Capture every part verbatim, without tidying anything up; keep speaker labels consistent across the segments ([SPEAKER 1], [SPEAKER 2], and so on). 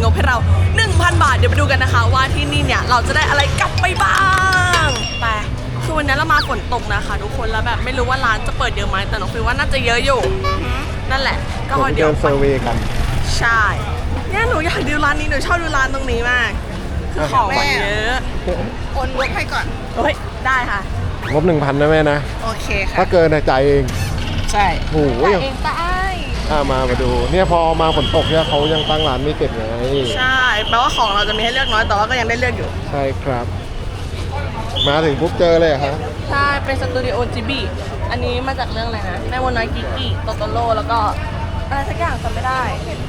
[SPEAKER 1] บให้เรา หนึ่งพัน บาทเดี๋ยวไปดูกันนะคะว่าที่นี่เนี่ยเราจะได้อะไรกลับไปบ้างไปคือวันนี้เรามาฝนตกนะคะทุกคนแล้วแบบไม่รู้ว่าร้านจะเปิดเยอะไหมแต่น้องฟิลว่าน่าจะเยอะอยู่นั่นแหละก็เดี๋ยว
[SPEAKER 2] เซอร์เวย์กัน
[SPEAKER 1] ใช่เนี่ยหนูอยากดูร้านนี้หนูชอบดูร้านตรงนี้มากคือของเยอะ
[SPEAKER 3] โอนงบให้ก่อน
[SPEAKER 1] โอ้ยได้ค่ะ
[SPEAKER 2] งบหนึ่งพันนะแม่นะ
[SPEAKER 3] โอเคค่ะ
[SPEAKER 2] ถ้าเกินจ่ายเอง
[SPEAKER 3] ใช่
[SPEAKER 2] โอ้
[SPEAKER 1] ยเองตาย
[SPEAKER 2] อ่ามามาดูเนี่ยพอมาฝนตกเนี่ยเขายังตั้งร้านไม่เสร็จไง
[SPEAKER 1] ใช่แปลว่าของเราจะมีให้เลือกน้อยแต่ว่าก็ยังได้เลือกอยู่
[SPEAKER 2] ใช่ครับมาถึงปุ๊บเจอเลยครับ
[SPEAKER 1] ใช่เป็นสตูดิโอจิบีอันนี้มาจากเรื่องอะไรนะแม่มดน้อยกิกกี้โตโตโร่แล้วก็อะไรสักอย่างจำไม่ได้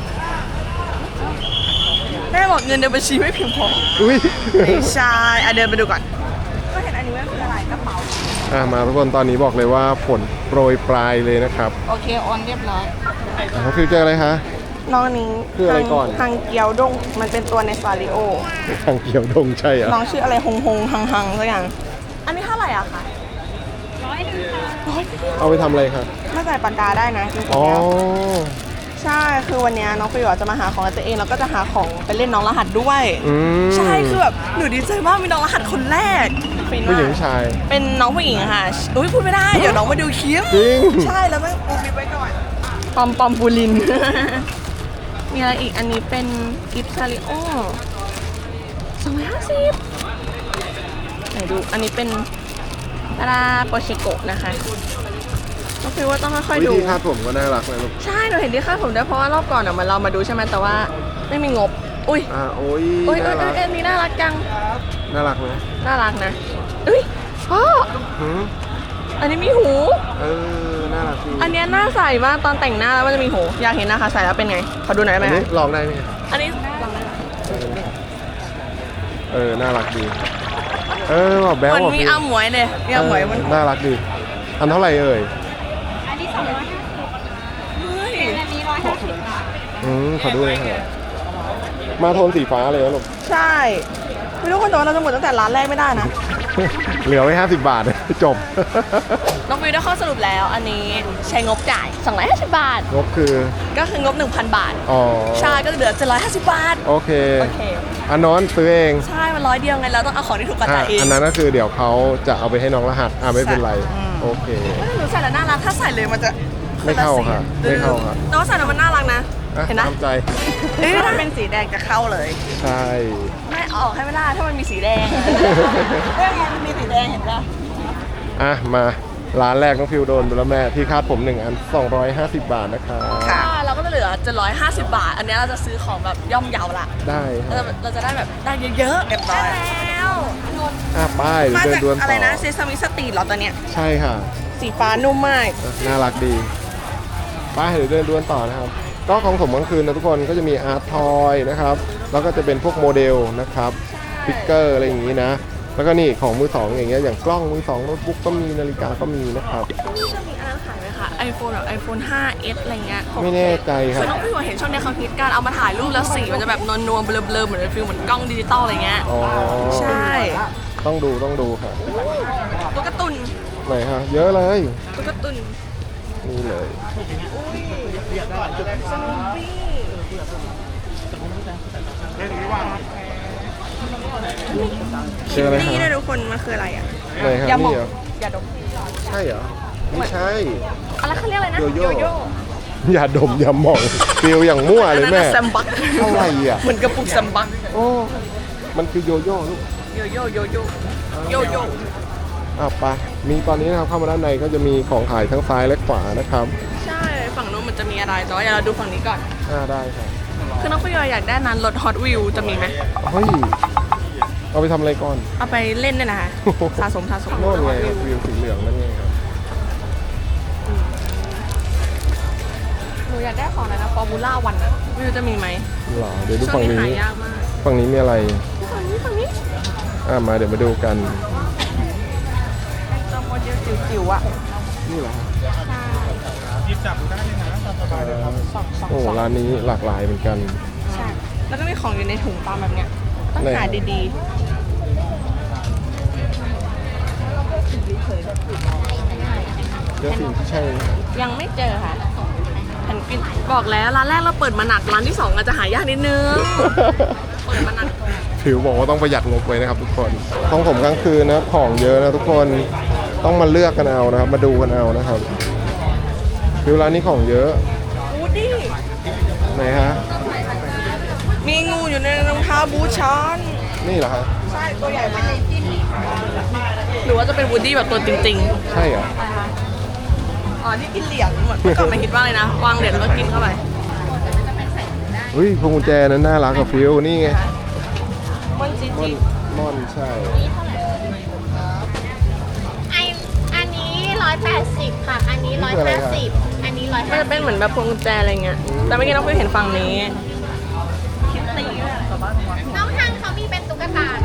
[SPEAKER 1] แม่บอกเงินในบัญชีไม่เพียงพอ
[SPEAKER 2] อุ้ย
[SPEAKER 1] ไม่ใช่อ่ะเดินไปดูก่อนก็เห็นอันนี้ว่าคืออะไรกระเป๋า
[SPEAKER 2] อ่ะมาทุกคนตอนนี้บอกเลยว่าฝนโปรยปลายเลยนะครับ
[SPEAKER 3] โอเคออนเรียบร้อย
[SPEAKER 2] เขาฟิวเจออะไรคะ
[SPEAKER 1] น้องนี้
[SPEAKER 2] คืออะไรก่อน
[SPEAKER 1] ฮังเกียวดงมันเป็นตัวในซาริโอ
[SPEAKER 2] ฮังเกียวดงใช่อ่ะ
[SPEAKER 1] น้องชื่ออะไรฮงฮงฮังฮังสักอย่างอันนี้เท่าไหร่อะคะ
[SPEAKER 3] ร้อยหนึ่งค่ะ
[SPEAKER 2] เอาไปทำอะไรครับ
[SPEAKER 1] มาใส่ปากกาได้นะจริงๆแล้วใช่คือวันนี้น้องฟิวจะมาหาของตัวเองแล้วก็จะหาของไปเล่นน้องรหัสด้วยใช่คือแบบหนูดีใจมากมีน้องรหัสคนแรก
[SPEAKER 2] ผู้หญิงชาย
[SPEAKER 1] เป็นน้องผู้หญิงค่ะอุ้ยพูดไม่ได้เดี๋ยวน้องมาดูคลิป
[SPEAKER 2] จริง
[SPEAKER 1] ใช่แล้วแม่ปูมิไว้ก่อนปอมปอมปูลินมีอะไรอีกอันนี้เป็นกิฟต์ซาริโอสองร้อยห้าสิบไหนดูอันนี้เป็นตาราโปเชโกะนะคะก็คือว่าต้องค่อยๆดู
[SPEAKER 2] วิธีคาดผมก็น่ารักเลยลูก
[SPEAKER 1] ใช่หนูเห็นที่คาดผมด้วยเพราะว่ารอบก่อนอ่ะมันเรามาดูใช่ไหมแต่ว่าไม่มีงบอุ้ย
[SPEAKER 2] อ่าโอ้ย
[SPEAKER 1] อุ้ยเออเอออันนี้น่ารักจัง
[SPEAKER 2] น่ารักไหม
[SPEAKER 1] น่ารักนะอุ้ยพ่ออันนี้มีหู
[SPEAKER 2] เออน่ารักจริง
[SPEAKER 1] อันนี้น่าใส่มากตอนแต่งหน้าแล้วมันจะมีหูอยากเห็นนะคะใส่แล้วเป็นไงขอดูหน่อยได้ไหม
[SPEAKER 2] อันนี้ลองได้ไหม
[SPEAKER 1] อันนี้ลองได้
[SPEAKER 2] เออน่ารักดีเออแบบแบ๊ว
[SPEAKER 1] มันมีอ้าหมวยเลยมีอ้าหมวยมัน
[SPEAKER 2] น่ารักดีอันเท่าไหร่เอ่ย
[SPEAKER 3] อันนี้สองร้อยห้าสิบเฮ้ยอันนี้ร้อยห้าสิบบาท
[SPEAKER 2] อืมขอดูเลยค่ะมาโทนสีฟ้าเลยนะลูก
[SPEAKER 1] ใช่ไม่รู้คนแต่ว่าเราจะหมดตั้งแต่ร้านแรกไม่ได้นะ
[SPEAKER 2] เหลือไว้ห้าสิบบาทจบ
[SPEAKER 1] น้องวิวได้ข้อสรุปแล้วอันนี้ใช้งบจ่ายสองร้อยห้าสิบบาท
[SPEAKER 2] งบคือ
[SPEAKER 1] ก็คืองบ หนึ่งพัน บาท
[SPEAKER 2] อ๋อ
[SPEAKER 1] ใช่ก็เหลือเจ็ดร้อยห้าสิบบาท
[SPEAKER 2] โอเค
[SPEAKER 1] โอเค
[SPEAKER 2] อันนอนซื้อเอง
[SPEAKER 1] ใช่มันร้อยเดียวไงเราต้องเอาของที่ถูกกว่าจ่ายเอง
[SPEAKER 2] อันนั้นก็คือเดี๋ยวเขาจะเอาไปให้น้องรหัสอ่าไม่เป็นไรโอเค
[SPEAKER 1] หนูใส่แล้วน่ารักถ้าใส่เลยมันจะ
[SPEAKER 2] ไม่เข้าค่ะไม่เข้าค่ะ
[SPEAKER 1] แต่ว่าใส่แล้วมันน่ารักนะเห็นไหม
[SPEAKER 2] ตามใจ
[SPEAKER 1] เฮ้ยถ้าเป็นสีแดงจะเข้าเลย
[SPEAKER 2] ใช่
[SPEAKER 1] ไม่ออกให้ไม่ได้ถ้ามันมีสีแดงเรื่องนี้มันมีสีแดงเห็นป่ะ
[SPEAKER 2] อ่ะมาร้านแรกน้องฟิวโดนไปแล้วแม่ที่คาดผมหนึ่งอันสองร้อยห้าสิบบาทนะครับ
[SPEAKER 1] ค่ะเราก็จะเหลือเจ็ดร้อยห้าสิบบาทอันนี้เราจะซื้อของแบบย่อมเยาละ
[SPEAKER 2] ได้
[SPEAKER 1] เราจะได้แบบได้เยอะๆเรียบร้อยแล้ว
[SPEAKER 2] อ่ะป้าย
[SPEAKER 1] มาจากอะไรนะเซซามิสตรีทเหรอตอนเนี้ย
[SPEAKER 2] ใช่ค่ะ
[SPEAKER 1] สีฟ้านุ่มมาก
[SPEAKER 2] น่ารักดีป้ายเดี๋ยวเดินด้วนต่อนะครับก็ของผมกลางคืนนะทุกคนก็จะมีอาร์ตทอยนะครับแล้วก็จะเป็นพวกโมเดลนะครับฟิกเกอร์อะไรอย่างนี้นะแล้วก็นี่ของมือสองอย่างเงี้ยอย่างกล้องมือสองโน้ตบุ๊กก็มีนาฬิกาก็มีนะครับ
[SPEAKER 1] จะมีอันขายไหมคะไอโฟนแบบไอโฟน ห้าเอส อะไรเงี้ย
[SPEAKER 2] ไม่แน่ใจครับ
[SPEAKER 1] คือน้องพี่ว่าเห็นช่องในเขาคิดการเอามาถ่ายรูปแล้วสีมันจะแบบนวลๆเบลอๆเหมือนฟิลเหมือนกล้องดิจิตอลอะไรเงี้ย
[SPEAKER 2] อ๋อ
[SPEAKER 1] ใช่
[SPEAKER 2] ต้องดูต้องดูค่ะ
[SPEAKER 1] ตุ๊กตุน
[SPEAKER 2] ไหนฮะเยอะเลย
[SPEAKER 1] ตุ๊กตุน
[SPEAKER 2] นี่เลย
[SPEAKER 1] สโนปี้
[SPEAKER 2] ชื่ออะไรครับ
[SPEAKER 1] นี่นะทุกคนมันคืออะไรอ่ะ
[SPEAKER 2] ยาหมอง
[SPEAKER 1] ยาดม
[SPEAKER 2] ใช่เหรอไม่ใช่
[SPEAKER 1] อะไรเขาเรียกอะไรนะ
[SPEAKER 2] โยโย่ยาดมยาหมองฟิลอย่างมั่วเลยแม่
[SPEAKER 1] แซมบัก
[SPEAKER 2] อะไรอ่ะ
[SPEAKER 1] เหมือนกระปุกแซมบัก
[SPEAKER 2] โอ้มันคือโยโย่ลูก
[SPEAKER 1] โยโย่โยโย่โยโย่
[SPEAKER 2] อ่ะไปมีตอนนี้นะครับเข้ามาด้านในก็จะมีของขายทั้งซ้ายและขวานะครับ
[SPEAKER 1] ใช่ฝั่งนู้นมันจะมีอะไรแต่ว่าอย่าเราดูฝั่งนี้ก่อน
[SPEAKER 2] อ่าได้ครับ
[SPEAKER 1] คือน้องพี่อยากได้นั้นรถฮอตวิวจะมีไหม
[SPEAKER 2] เฮ้ยเอาไปทำอะไรก่อน
[SPEAKER 1] เอาไปเล่นเนี่ยนะคะสะสมสะสม
[SPEAKER 2] โน่นไงวิวสีเหลืองนั่นไงครับ
[SPEAKER 1] หนูอยากได้ของอะไรนะฟอร์มูล่าวันอะวิวจะมีไหม
[SPEAKER 2] หรอเดี๋ยวดูฝั่งนี้ฝั่งนี้มีอะไร
[SPEAKER 1] ฝั่งนี้ฝั่งนี้
[SPEAKER 2] อ่ามาเดี๋ยวมาดูกัน
[SPEAKER 1] จอมโมเดลจิ๋วๆอะ
[SPEAKER 2] นี่เหรอ
[SPEAKER 1] ใช่
[SPEAKER 3] ยิบจับได้เลยนะสบายเลยครับ
[SPEAKER 2] โอ้ร้านนี้หลากหลายเหมือนกัน
[SPEAKER 1] ใช่แล้วก็มีของอยู่ในถุงตามแบบเนี้ยต้องหาดีๆ
[SPEAKER 2] เจอสิ่งที่ใช่
[SPEAKER 1] ยังไม่เจอค่ะแผ่นกินบอกแล้วร้านแรกเราเปิดมาหนักร้านที่สองอาจจะหายากนิดนึง เปิดมาหนัก
[SPEAKER 2] ผิวบอกว่าต้องประหยัดงบไว้นะครับทุกคนของผมกลางคืนนะของเยอะนะทุกคนต้องมาเลือกกันเอานะครับ มาดูกันเอานะครับผิวร้านนี้ของเยอะ
[SPEAKER 1] วูดดี้
[SPEAKER 2] ไหนฮะ
[SPEAKER 1] มีงูอยู่ในรองเท้าบูทช้อน
[SPEAKER 2] นี่เหรอฮะ
[SPEAKER 1] ใช่ตัวใหญ่มากหรือว่าจะเป็นวูดดี้แบบตัวจริง
[SPEAKER 2] ใช่เหรอ
[SPEAKER 1] ๆอ๋อที่กินเหรียญเหมือนเมื่อก่อนไม่คิดว่าเลยนะวางเหรียญแล้วก็กินเข้าไป
[SPEAKER 2] เฮ้ยพวงกุญแจนั้นน่ารักกับฟิวนี่ไง
[SPEAKER 1] มันจี
[SPEAKER 2] ม่อ
[SPEAKER 1] จี
[SPEAKER 2] นม่อนใช่
[SPEAKER 3] ไออันนี้ร้อยแปดสิบค่ะ อันนี้ร้อยห้าสิบอันนี้ร้อย
[SPEAKER 1] มัน
[SPEAKER 3] ห้า
[SPEAKER 1] จะเป็นเหมือนแบบพวงกุญแจอะไรเงี้ยแต่เมื่อกี้น้องฟิวเห็นฝั่งนี้คิตตี้ด้วย
[SPEAKER 3] น้องทางเขามีเป็นตุ๊กตานะ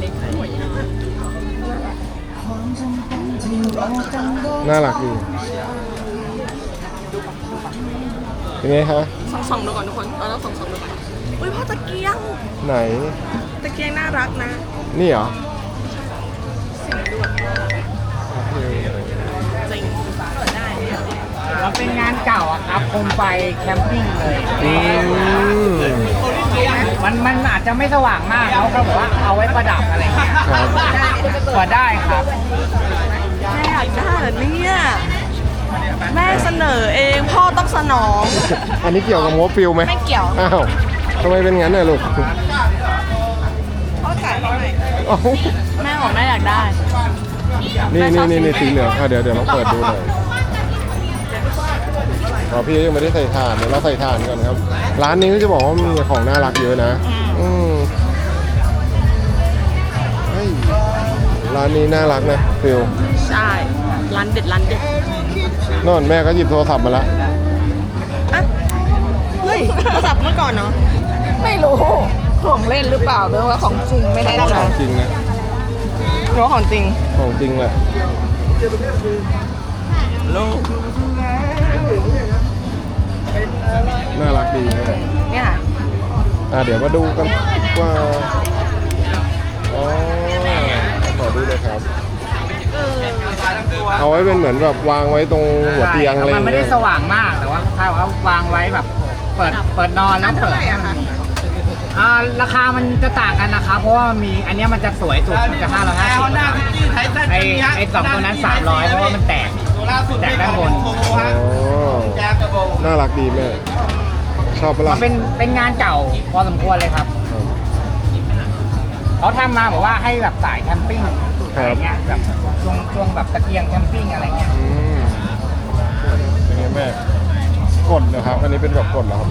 [SPEAKER 2] น่ารักดีเป็นไงคะ
[SPEAKER 1] ส่องส่องๆดูก่อนทุกคนเราต้องส่องส่องๆดูก่อนอุ้ยพ่อตะเกียง
[SPEAKER 2] ไหน
[SPEAKER 1] ตะเกียงน่ารักนะ
[SPEAKER 2] นี่เหรอ
[SPEAKER 1] จริง
[SPEAKER 4] มันเป็นงานเก่าอะครับโคมไฟแคมปิ้งเลย
[SPEAKER 2] อืม
[SPEAKER 4] มันมันอาจจะไม่สว่างมากเขาก็บอกว่าเอาไว้ประดับอะไรเงี้ย
[SPEAKER 2] ครับ
[SPEAKER 4] เปิดได้ครับ
[SPEAKER 1] แม่อยากได้เหรอเนี่ยแม่เสนอเองพ่อต้องสนอง
[SPEAKER 2] อันนี้เกี่ยวกับงบฟิวไหม
[SPEAKER 1] ไม่เกี่ยว
[SPEAKER 2] อ้าวทำไมเป็นงั้นน่ะลูก
[SPEAKER 1] พ่อจ่ายให้หน่อย
[SPEAKER 2] เอ้า
[SPEAKER 1] แม่บอกแม่อยากได้
[SPEAKER 2] นี่นี่นี่นี่สีเหลืองอ่ะเดี๋ยวเดี๋ยวลองเปิดดูหน่อยอ๋อพี่ยังไม่ได้ใส่ถ่านเดี๋ยวเราใส่ถ่านก่อนครับ ร้านนี้ก็จะบอกว่ามีของน่ารักเยอะนะ อืมเฮ้ยร้านนี้น่ารักนะฟิว
[SPEAKER 1] ใช่ร้านเด็ดร้านเด็ด
[SPEAKER 2] นอนแม่ก็หยิบโทรศัพท์มาละ
[SPEAKER 1] อ่ะเฮ้ยโทรศัพท์เมื่อก่อนเนาะไม่รู้ของเล่นหรือเปล่าหรือว่าของจริงไม่ได้
[SPEAKER 2] ข
[SPEAKER 1] ใจ
[SPEAKER 2] องจริงนะ
[SPEAKER 1] หรือว่าของจริง
[SPEAKER 2] ของจริงแหละ
[SPEAKER 1] ลูก
[SPEAKER 2] น่ารักดีนะ
[SPEAKER 1] เนี่ยค่ะ
[SPEAKER 2] อ่ะเดี๋ยวมาดูกันว่าอ๋อขอดูเลยครับ เอาไว้เป็นเหมือนแบบวางไว้ตรงหัวเตียงอะไรอ
[SPEAKER 4] มัน
[SPEAKER 2] ย่าง
[SPEAKER 4] ไม่
[SPEAKER 2] เงี้
[SPEAKER 4] ได้
[SPEAKER 2] ย
[SPEAKER 4] สว่างมากแต่ว่าถ้าว่าวางไว้แบบเปิดเปิดนอนแล้วเปิดอ่าราคามันจะต่างกันนะครับเพราะว่ามีอันเนี้ยมันจะสวยสุดมันจะห้าร้อยห้าสิบไอไอสองตัวนั้นสามร้อยเพราะว่ามันแตกแตกด้านบน
[SPEAKER 2] อ๋อน่ารักดีแม่ชอบปะ
[SPEAKER 4] มั
[SPEAKER 2] ล่ะ
[SPEAKER 4] นเป็นเป็นงานเก่าพอสมควรเลยครับเขาทำมาบอกว่าให้แบบสายแคมปิ้งอะไรเงี้ยแบบช่วงช่วงแบบตะเกียงแคมปิ้งอะไรเงี้ย
[SPEAKER 2] อืมเป็นไงแม่กดนะครับ อันนี้เป็นแบบกดเหรอครับ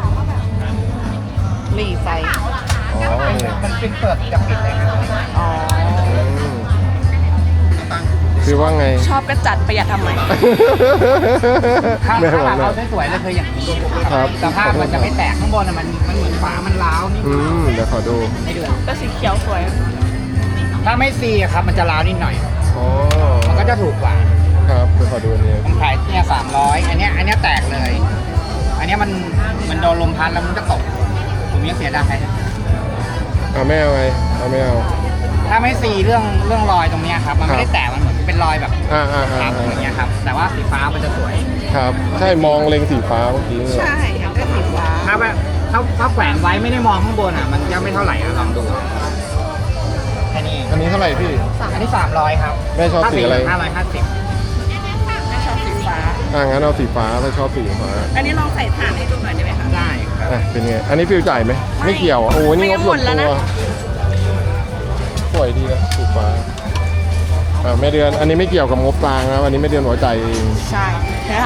[SPEAKER 1] หลีไฟ
[SPEAKER 2] อ๋อนี่
[SPEAKER 4] มันเป็นเปิดกับปิดเลยครับ
[SPEAKER 1] อ๋อ
[SPEAKER 2] อืมคือว่าไง
[SPEAKER 1] ชอบก็จัดประหยัดทำไม
[SPEAKER 4] ถ้า
[SPEAKER 2] แม่บ
[SPEAKER 4] ถ้า
[SPEAKER 2] อก
[SPEAKER 4] เรา
[SPEAKER 2] นะ
[SPEAKER 4] เอาสวยๆเลยคืออย่างนี้
[SPEAKER 2] ครับ
[SPEAKER 4] สภาพมันจะไม่แตกข้างบนอะมันมันเหมือนฝามันร้าวนิด
[SPEAKER 2] อืมเดี๋ยวขอดู
[SPEAKER 4] ไม่เดือด
[SPEAKER 1] แต่สีเขียวสวย
[SPEAKER 4] ถ้าไม่ซีอะครับมันจะร้าวนิดหน่อย
[SPEAKER 2] อ๋อ
[SPEAKER 4] มันก็จะถูกกว่า
[SPEAKER 2] ครับเดี๋ยวขอดูอันนี้
[SPEAKER 4] ผมขายเนี่ยสามร้อยอันเนี้ยอันเนี้ยแตกเลย อันเนี้ยมันมันโดนลมพัดแล้วมันก็ตก ผมยังเสียดาย
[SPEAKER 2] อ่าแม่เอาไงเอาไม่เอา
[SPEAKER 4] ถ้าไม่ซีเรื่องเรื่องรอยตรงเนี้ยครับมันไม่ได้แตกมันเหมือนเป็นรอยแบบ
[SPEAKER 2] อ่าอ่าอ่า
[SPEAKER 4] ครับอย่างเงี้ยครับแต่ว่าสีฟ้ามันจะสวย
[SPEAKER 2] ครับ ใช่มองเล็งสีฟ้าเมื่อกี้เนี่ย
[SPEAKER 1] ใช่ก็สีฟ้า
[SPEAKER 4] ถ้าแบบถ้าถ้าแขวนไว้ไม่ได้มองข้างบนอ่ะมันยังไม่เท่าไหร่อ่ะลองดูแค่นี้เอง
[SPEAKER 2] อันนี้เท่าไหร่พี่
[SPEAKER 4] อันนี้สามร้อยครับ
[SPEAKER 2] แม่ชอบสีอะไร
[SPEAKER 4] ห้าร้อยห้าสิบ
[SPEAKER 1] ไม่ชอบสีฟ้า
[SPEAKER 2] อ่างั้นเอาสีฟ้าถ้าชอบสีฟ้า
[SPEAKER 1] อันนี้ลองใส่ถ่านให้ดูหน่อยได้ไหมคะ
[SPEAKER 4] ได้ครับ
[SPEAKER 2] อ่ะเป็นไง อันนี้ฟิวจ่ายไหม ไม่เกี่ยวอ่ะโอ้ยนี่งบส่วน
[SPEAKER 1] ไม่งั้นหมดแล้ว
[SPEAKER 2] ตัว
[SPEAKER 1] นะ
[SPEAKER 2] สวยดีนะสีฟ้า อ่าแม่เดือน อันนี้ไม่เกี่ยวกับงบกลางนะอันนี้แม่เดือนหัวใจายเอง
[SPEAKER 1] ใช่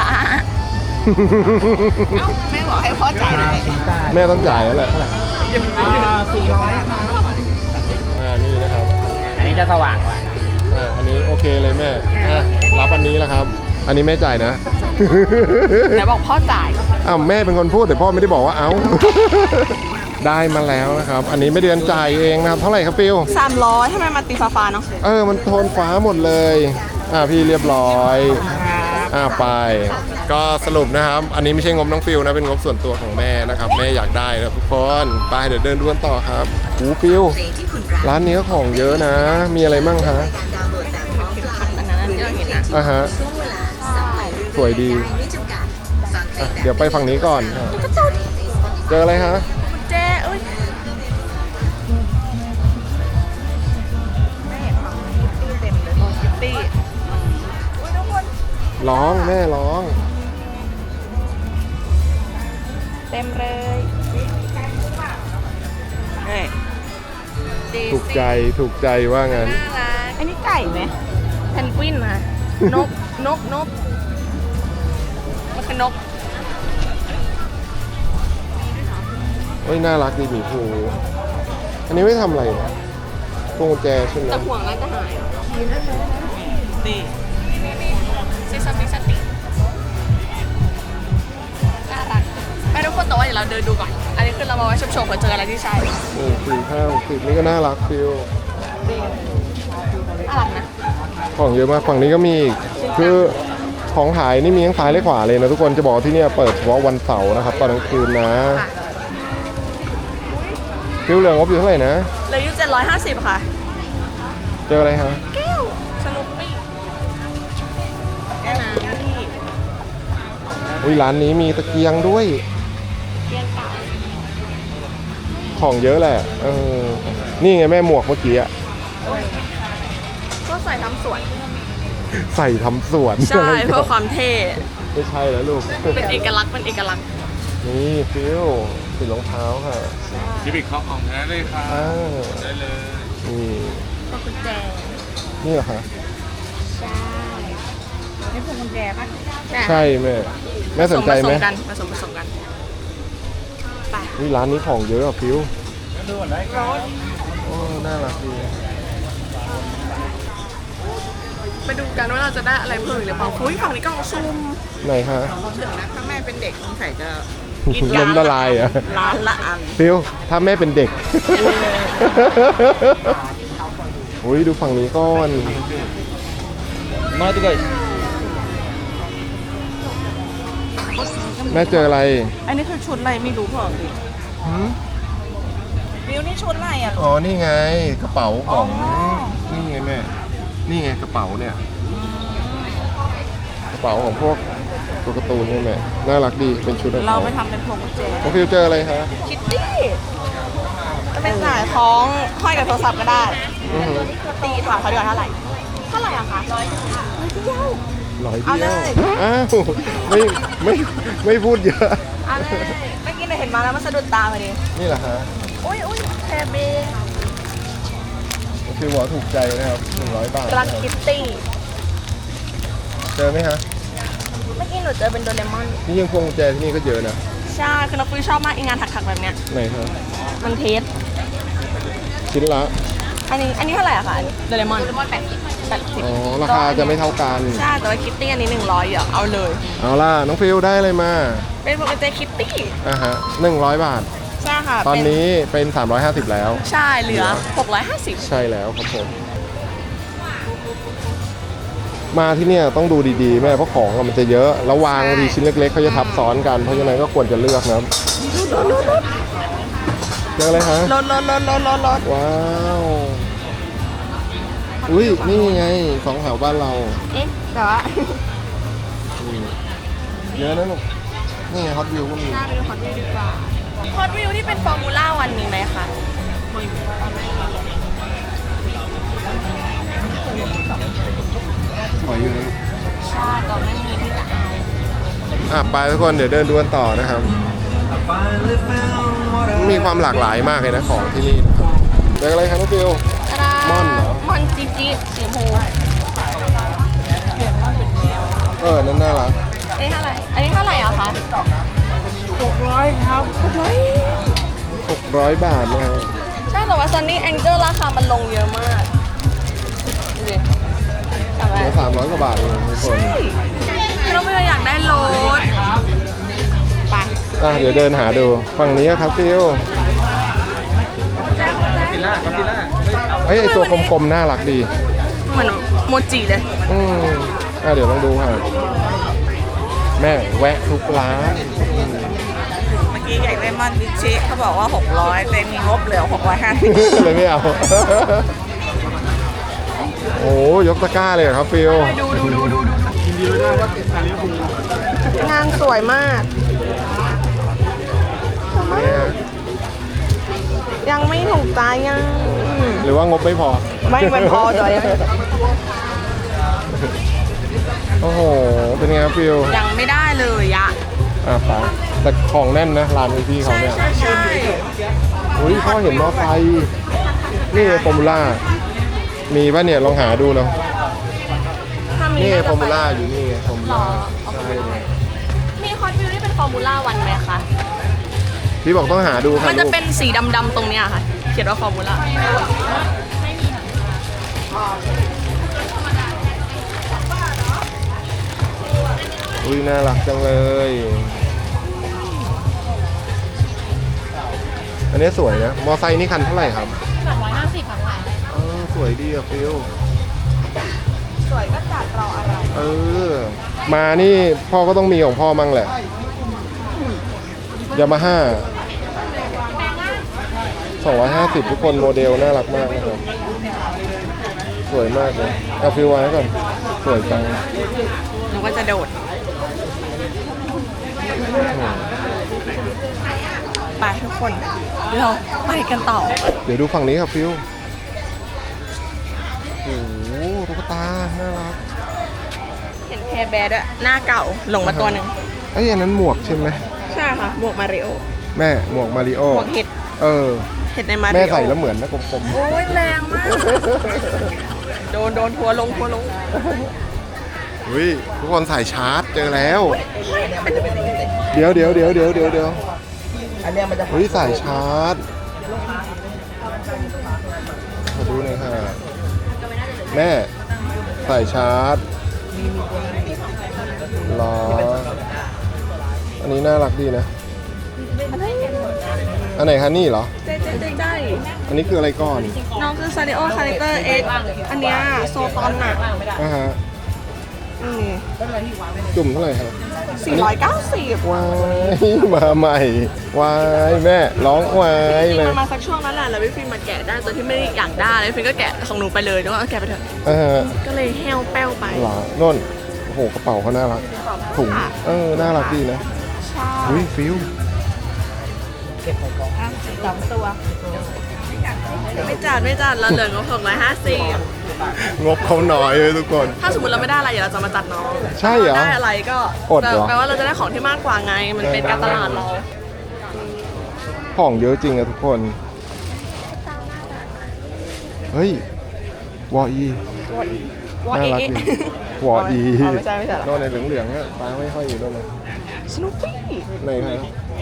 [SPEAKER 1] แม่บอกให้พ่อจ่ายเลย
[SPEAKER 2] แม่ต้องจ่ายแล้วแหละ
[SPEAKER 4] สี่ร้อย
[SPEAKER 2] อ่า นี่นะครับ
[SPEAKER 4] อันนี้จะสว่างกว่า
[SPEAKER 2] อ่า อันนี้โอเคเลยแม่ อ่ะ รับอันนี้แล้วครับ อันนี้แม่จ่ายนะ
[SPEAKER 1] ไหนบอกพ่อจ่าย
[SPEAKER 2] อ้าวแม่เป็นคนพูดแต่พ่อไม่ได้บอกว่าเอ้า ได้มาแล้วนะครับ อันนี้ไม่เดือนจ่ายเองนะครับ เท่าไหร่ครับฟิว
[SPEAKER 1] สามร้อยทำไมมาตีฟ้าๆเนาะ
[SPEAKER 2] เออ มันโทนฟ้าหมดเลย อ่าพี่เรียบร้อย อ่าไป ก็สรุปนะครับ อันนี้ไม่ใช่งบน้องฟิวนะ เป็นงบส่วนตัวของแม่นะครับ แม่อยากได้นะครับทุกคน ไปเดี๋ยวเดินดูกันต่อครับหูฟิว ร้านนี้ก็ของเยอะนะ มีอะไรมั่งคะ
[SPEAKER 1] อันนั้นอันนี้เราเห็นนะ
[SPEAKER 2] อ่าฮะ สวยดี
[SPEAKER 5] ไม่จำกัดฟังค
[SPEAKER 2] อ่ะเดี๋ยวไปฝั่งนี้ก่อนอ่ะเจออะไรฮะ
[SPEAKER 1] กุญแจเอ้ยแม่คิตตี้เต็มเลยคิตตี้อุ้ยทุกคน
[SPEAKER 2] ร้องแม่ร้อง
[SPEAKER 1] เต็มเลยนี่ดี
[SPEAKER 2] ถูกใจถูกใจว่างั้น
[SPEAKER 1] น่ารักอันนี้ไก่ไหมเพนกวินนะนกนกนกมันคือนก
[SPEAKER 2] เฮ้ยน่ารักดีหมีภูอันนี้ไม่ทำอะไรเนี่ยพวงกุญแจใช่ไหม
[SPEAKER 1] แต่ห่วงแล้วจะหายดีซิสมิสติน่ารักไปทุกคนแต่ว่าเดี๋ยวเราเดินดูก่อน อันนี้คือเรามาไว้ชมๆเผื่อเจออะไรที่ใช่
[SPEAKER 2] อืมสี่ห้าหกสิบนี่ก็น่ารักฟิล
[SPEAKER 1] น่ารักนะ
[SPEAKER 2] ของเยอะมากฝั่งนี้ก็มีอีกคือของขายนี่มีทั้งซ้ายและขวาเลยนะทุกคนจะบอกว่าที่เนี่ยเปิดเฉพาะวันเสาร์นะครับตอนกลางคืนนะ
[SPEAKER 1] ค่ะ
[SPEAKER 2] ฟิลเหลืองงบอยู่เท่าไหร่นะ
[SPEAKER 1] เหลยอยู่เจ็ดร้อยห้าสิบค่ะ
[SPEAKER 2] เจออะไรฮะ
[SPEAKER 1] แก้วสนุกปี้แก้วน้ำที่
[SPEAKER 2] อุ้ยร้านนี้มีตะเกียงด้วย
[SPEAKER 1] เกียงเก่า
[SPEAKER 2] ของเยอะแหละเออนี่ไงแม่หมวกเมื่อกี้อะ
[SPEAKER 1] ก็ใส่ทำสวน
[SPEAKER 2] ใส่ทำสวน
[SPEAKER 1] ใช่เพื่อความเท่
[SPEAKER 2] ไม่ใช่แล้วลูก
[SPEAKER 1] เป็นเอกลักษณ์เป็นเอกลักษณ์
[SPEAKER 2] นี่ฟิลติดรองเท้าค่ะ
[SPEAKER 5] ชิบิกเขาของแท้เลยครับ
[SPEAKER 2] อ้าว
[SPEAKER 5] ได้เลย
[SPEAKER 2] นี่
[SPEAKER 1] พวงกุญแจ
[SPEAKER 2] นี่เหรอคะ
[SPEAKER 1] ใช่
[SPEAKER 3] นี่พวงกุญแจป่ะ
[SPEAKER 2] ใช่แม่แม่สนใจไหม
[SPEAKER 1] ผสมกันผสมผสมกันไป
[SPEAKER 2] วิร้านนี้ของเยอะอะฟิว
[SPEAKER 1] ร้อน
[SPEAKER 2] โอ้น่ารักดี
[SPEAKER 1] ไปดูกันว่าเราจะได้อะไรเพิ่มอีกหรือเปล่าอุ้ยฝั่งนี้กล่องซุ่ม
[SPEAKER 2] ไหนคะ
[SPEAKER 3] ถึงนะถ้าแม่เป็นเด็กสงสัยจะ
[SPEAKER 2] ล้มละลายเหรอะ
[SPEAKER 3] ร้านละอัน
[SPEAKER 2] ฟิวถ้าแม่เป็นเด็ก อุ้ยดูฝั่งนี้ก่อน
[SPEAKER 5] มาดิไก่
[SPEAKER 2] แม่เจออะไร
[SPEAKER 3] อันนี้คือชุดอะไรไม่รู้เปล่าดิ
[SPEAKER 2] หืม
[SPEAKER 3] วิวนี่ชุดอะไรอ่ะ
[SPEAKER 2] อ๋อนี่ไงกระเป๋าของ
[SPEAKER 3] อ๋อ
[SPEAKER 2] นี่ไงแม่นี่ไงกระเป๋าเนี่ยกระเป๋าของพวกตัวการ์ตูนนี่แม่น่ารักดีเป็นชุดของ
[SPEAKER 3] เรา
[SPEAKER 2] เขา
[SPEAKER 3] ไปทำเป็นพวงกุญแจ
[SPEAKER 2] น้องฟิวเจออะไรคะ
[SPEAKER 1] คิตตี้จะเป็นสายคล้องห้อยกับโทรศัพท์ก็ได้
[SPEAKER 2] อือหือ
[SPEAKER 1] ตีถามเขาดีกว่าเท่าไหร่เท่าไหร่อะคะร้อยเดียว
[SPEAKER 2] ร้อย
[SPEAKER 1] เอา
[SPEAKER 2] เดี
[SPEAKER 1] เลย
[SPEAKER 2] วย อ้าวไม่ไม่ไม่พูดเยอะ
[SPEAKER 1] เอาเลยเมื่อกี้เราเห็นมาแล้วมันสะดุดตาพอดี
[SPEAKER 2] นี่แหละฮะ
[SPEAKER 1] อุ้ยอุ้ยแคเบ
[SPEAKER 2] ฟิวบอกถูกใจนะครับหนึ่งร้อยบาท
[SPEAKER 1] รักคิตตี้
[SPEAKER 2] เจอไหมฮะ
[SPEAKER 1] เมื่อกี้หนูเจอเป็นโดเรมอน
[SPEAKER 2] นี่ยังพวงกุญแจที่นี่ก็เยอะนะ
[SPEAKER 1] ใช่คือน้องปุ้ยชอบมากอีงานถักๆแบบเนี้ย
[SPEAKER 2] ไหนฮะ
[SPEAKER 1] มันเทส
[SPEAKER 2] ชิ้นละ
[SPEAKER 1] อันนี้อันนี้เท่าไหร่อะคะอันนี้โดเรมอนโดเรมอนแปดสิบแปดสิบ
[SPEAKER 2] อ๋อราคาจะไม่เท่ากัน
[SPEAKER 1] ใช่แต่ว่าคิตตี้อันนี้หนึ่งร้อยอ่ะเอาเลย
[SPEAKER 2] เอาล่ะน้องฟิวได้อะไรมา
[SPEAKER 1] เป็นพวงกุญแจคิตตี้
[SPEAKER 2] อ่ะฮะหนึ่งร้อยบาท
[SPEAKER 1] ใช่ค่ะ
[SPEAKER 2] ตอน
[SPEAKER 1] เป็
[SPEAKER 2] นี้เป็นสามร้อยห้าสิบแล้ว
[SPEAKER 1] ใช่เหลือหกร้อยห้าสิบ
[SPEAKER 2] ใช่แล้วครับผม มาที่เนี่ยต้องดูดีๆแม่เพราะของอะมันจะเยอะแล้ววางทีชิ้นเล็กๆเขาจะทับซ้อนกันเพราะฉะนั้นก็ควรจะเลือกนะครับเจออะไรฮะ
[SPEAKER 1] ลดลดลดลดลดลด
[SPEAKER 2] ว้าวอุ้ยนี่ไงสองแถวบ้านเรา
[SPEAKER 1] เอ๊ะแต่ว่า
[SPEAKER 2] อืมเยอะนะลูกนี่ไงฮอตวิวก็มี
[SPEAKER 1] หน้าไปดูฮอตวิวดีกว่าฮอตวิวที่เป็นฟอร์มูล่าวันมีไหมคะ
[SPEAKER 2] สวยอยู่นะลูก
[SPEAKER 1] ใช่แต่ไม่มีที่จะเอา
[SPEAKER 2] อ่ะไปทุกคนเดี๋ยวเดินดูกันต่อนะครับ มีความหลากหลายมากเลยนะของที่นี่นะครับเจออะไรครับน้องฟิว ม่อนเหรอ
[SPEAKER 1] ม่อนจีจีสีชมพู
[SPEAKER 2] เออนั่นน่ารัก
[SPEAKER 1] อันนี้เท่าไหร่อันนี้เท่าไหร่อะคะ
[SPEAKER 3] หกร้อยครับ
[SPEAKER 1] เฮ้ย
[SPEAKER 2] หกร้อยบาทนะฮะ
[SPEAKER 1] ใช่แต่ว่าซันนี่แองเจิลราคามันลงเยอะมากดูดิจำไว้
[SPEAKER 2] เหลือสามร้อยกว่าบาทเองทุกคน
[SPEAKER 1] ใช่เราไม่อยากได้รถไป
[SPEAKER 2] อ่ะเดี๋ยวเดินหาดูฝั่งนี้ครับฟิว
[SPEAKER 5] กินล่าครับกินล่า
[SPEAKER 2] เฮ้ยไอตัวกลมๆน่ารักดี
[SPEAKER 1] เหมือนโมจิเลย
[SPEAKER 2] อืมอ่ะเดี๋ยวลองดูค่ะแม่แวะทุกร้าน
[SPEAKER 3] เมื่อกี้อยากได้มอนดิชิเขาบอกว่าหกร้อยแต่มีงบเหลือหกร้อยห้าสิบ
[SPEAKER 2] เลยไม่เอา โอ้ยกตะกร้าเลยเหรอครับฟิว
[SPEAKER 1] ดูดูดูดูดู
[SPEAKER 5] กินดีไม่ได้ว่าติดซาลิฟู
[SPEAKER 1] งานสวยมากสวยมาก ยังไม่ถูกใจยัง
[SPEAKER 2] หรือว่างบไม่พอ
[SPEAKER 1] ไม่ไม่พอจอย
[SPEAKER 2] โอ้โห เป็นไงครับฟิว
[SPEAKER 1] ยังไม่ได้เลยอะ
[SPEAKER 2] อ่ะไปแต่ของแน่นนะร้านพี่เขา
[SPEAKER 1] ใช่
[SPEAKER 2] เนี่ย
[SPEAKER 1] ใช่ใช่
[SPEAKER 2] อุ้ยพ่อเห็นมอไซค์นี่ฟอร์มูล่ามีป่ะเนี่ยลองหาดูเนาะ
[SPEAKER 1] ถ้ามี
[SPEAKER 2] นี่
[SPEAKER 1] น่า
[SPEAKER 2] ฟ
[SPEAKER 1] จะ
[SPEAKER 2] อร์มู
[SPEAKER 1] ไป
[SPEAKER 2] ล่าอยู่นี่ไงฟอร์มูล่า
[SPEAKER 1] หรอ
[SPEAKER 2] ใช่
[SPEAKER 1] มีคอสวิวที่เป็นฟอร์มูล่าวันไหมคะ
[SPEAKER 2] พี่บอกต้องหาดูค่ะ
[SPEAKER 1] มันจะ
[SPEAKER 2] ลูก
[SPEAKER 1] เป็นสีดำๆตรงเนี้ยค่ะ เขียนว่าฟอร์มูล่า
[SPEAKER 2] อุ้ยน่ารักจังเลย อันนี้สวยนะ มอไซค์นี่คันเท่าไหร่ครับ
[SPEAKER 1] สามร้อยห้าสิบค่ะ
[SPEAKER 2] เออสวยดีอะฟิล
[SPEAKER 1] สวยก็จัดรออะไร
[SPEAKER 2] เออ มานี่พ่อก็ต้องมีของพ่อมั่งแหละ ยามาฮ่าสองร้อยห้าสิบทุกคนโมเดลน่ารักมากนะครับ สวยมากเลยเอาฟิลไว้ก่อน สวยจัง
[SPEAKER 1] หนูก็จะโดด ไปทุกคน เราไปกันต่อ
[SPEAKER 2] เดี๋ยวดูฝั่งนี้ครับฟิลโอ้โหตุ๊กตา น่ารัก
[SPEAKER 1] เห็นแคร์แบร์ด้วยหน้าเก่าหลงมาตัวหนึ่ง
[SPEAKER 2] ไอ้ยอันนั้นหมวกใช่ไหม
[SPEAKER 1] ใช่ค่ะหมวกมาริโอ
[SPEAKER 2] แม่หมวกมาริโอ
[SPEAKER 1] หมวกเห็ด
[SPEAKER 2] เออ
[SPEAKER 1] เห็ดในมาริโอ
[SPEAKER 2] แม่ใส่แล้วเหมือนนะกลม
[SPEAKER 1] โอ้ยแรงมาก โดนโดนทัวร์ลงทัวร์ลง
[SPEAKER 2] ๆอุ้ยทุกคนใส่ชาร์จเจอแล้ว เดี๋ยวเดี๋ยวเดี๋ยวเดี๋ยวเดี๋ยวเดี๋ยว
[SPEAKER 3] อันเนี้ยมันจะ
[SPEAKER 2] อุ้ยใส่ชาร์จขอดูหน่อยค่ะ แม่ใส่ชาร์จรอ อันนี้น่ารักดีนะ อันไหนคะนี่เหรอ
[SPEAKER 1] เจ๊เจ๊เจ๊ได้
[SPEAKER 2] อันนี้คืออะไรก่อน
[SPEAKER 1] น้องคือซาริโอคาแรคเตอร์เอ็กอันเนี้ยโซตอนน่ะ
[SPEAKER 2] อ่าฮะ
[SPEAKER 1] นี่
[SPEAKER 2] จุ่มเท่าไหร่ครับ
[SPEAKER 1] สี่ร้อยเก้าสิบ
[SPEAKER 2] วายมาใหม่วายแม่ร้องวา
[SPEAKER 1] จ
[SPEAKER 2] ย
[SPEAKER 1] ริง
[SPEAKER 2] เล
[SPEAKER 1] ๆ
[SPEAKER 2] ย
[SPEAKER 1] มันมาสักช่วงนั้นแหละแล้วพี่ฟิล์มมาแกะได้ตัวที่ไม่ได้อยากได้แล้วพี่ฟิล์มก็แกะของหนูไปเลยด้วยว่าแกะไปเถอะ
[SPEAKER 2] อ่าฮะ
[SPEAKER 1] ก็เลยแห้วแป้วไป
[SPEAKER 2] หรอน่นโอ้โหกระเป๋าเขาน่ารักถุงเออน่ารักดีนะ
[SPEAKER 1] ใช่
[SPEAKER 2] อุ้ยฟิว
[SPEAKER 1] อ่ะสองตัว ไม่จัดไม่จัดเราเหลืองบหกร้อยห้าสิบ
[SPEAKER 2] งบเขาน้อยเลยทุกคน
[SPEAKER 1] ถ้าสมมติเราไม่ได้อะไรเดี๋ยวเราจะมาจัดน้อง
[SPEAKER 2] ใช่เหรอ
[SPEAKER 1] ถ้าได้อะไรก็
[SPEAKER 2] อดเหรอ
[SPEAKER 1] แปลว่าเราจะได้ของที่มากกว่าไง มันเป็นการตลาดเรา
[SPEAKER 2] ของเยอะจริงอะทุกคน เฮ้ย วออี
[SPEAKER 1] วอ
[SPEAKER 2] น่า
[SPEAKER 1] เอ
[SPEAKER 2] รัก
[SPEAKER 1] เอ
[SPEAKER 2] ดีวออี
[SPEAKER 1] อ๋อไม่ใช่ไม่ใช่เหรอ
[SPEAKER 2] โน่นในเหลืองๆอะตาไม่ค่อยอยู่โน่นนะ
[SPEAKER 1] สนุปปี้
[SPEAKER 2] ไหนครับ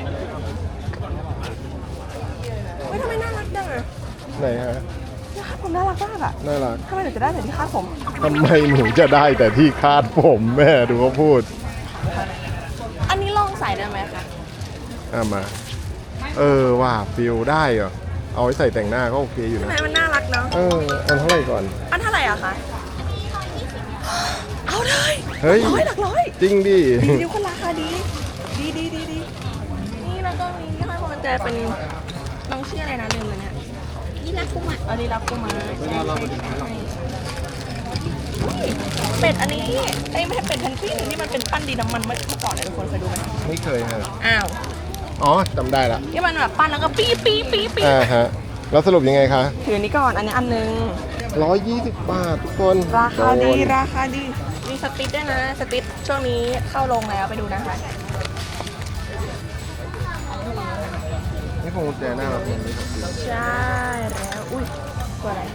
[SPEAKER 1] เฮ้ยทำไมน่ารักจังอะ
[SPEAKER 2] ไหนฮะ
[SPEAKER 1] คาดผมน่ารักมากอะ
[SPEAKER 2] น่ารัก
[SPEAKER 1] ทำไมหนูจะได้แต่ที่คาดผม
[SPEAKER 2] ทำไมหนูจะได้แต่ที่คาดผมแม่ดูเขาพูด
[SPEAKER 1] อันนี้ลองใส่ได้ไหมคะ
[SPEAKER 2] อ่ะมา เออว่าฟิลได้เหรอ เอาไว้ใส่แต่งหน้าก็โอเคอยู่
[SPEAKER 1] ทำ
[SPEAKER 2] นะ
[SPEAKER 1] ไมมันน่ารักเนาะ
[SPEAKER 2] เออ อันเท่าไหร่ก่อน
[SPEAKER 1] อันเท่าไหร่อะคะ เอาเลย
[SPEAKER 2] เฮ้ย
[SPEAKER 1] ร้อยหลักร้อย
[SPEAKER 2] จริงดิ
[SPEAKER 1] ดีดีคนราคาดี ดีดีดีดีนี่แล้วก็มีที่ห้อยพวงกุญแจเป็นน้องชื่ออะไรนะลืมเลยเนี่ยนี่รักกุมารอันนี้รักกุมารเป็ดอันนี้เอ้ยไม่ใช่เป็ดแพนกวินที่มันเป็นปั้นดินน้ำมันเมื่อก่อนเนี่ยทุกคนเคยดูไหม
[SPEAKER 2] ไม่เคยฮะ
[SPEAKER 1] อ้าว
[SPEAKER 2] อ๋อจำได้ละ
[SPEAKER 1] ที่มันแบบปั้นแล้วก็ปี๊ปี๊ปี๊ปี๊
[SPEAKER 2] อ่าฮะ แล้วสรุปยังไงคะ
[SPEAKER 1] ถืออันนี้ก่อนอันนี้อันนึง
[SPEAKER 2] ร้อยยี่สิบบาททุกคน
[SPEAKER 1] ราคาดี
[SPEAKER 2] โน
[SPEAKER 1] ราคาดี มีสติ๊ดด้วยนะ สติ๊ดช่วงนี้เข้าลงแล้วไปดูนะคะ
[SPEAKER 2] นี่พวงกุญแจน่ารักเหมือนกัน
[SPEAKER 1] ใช่แล้ว อุ้ยตัวอะไร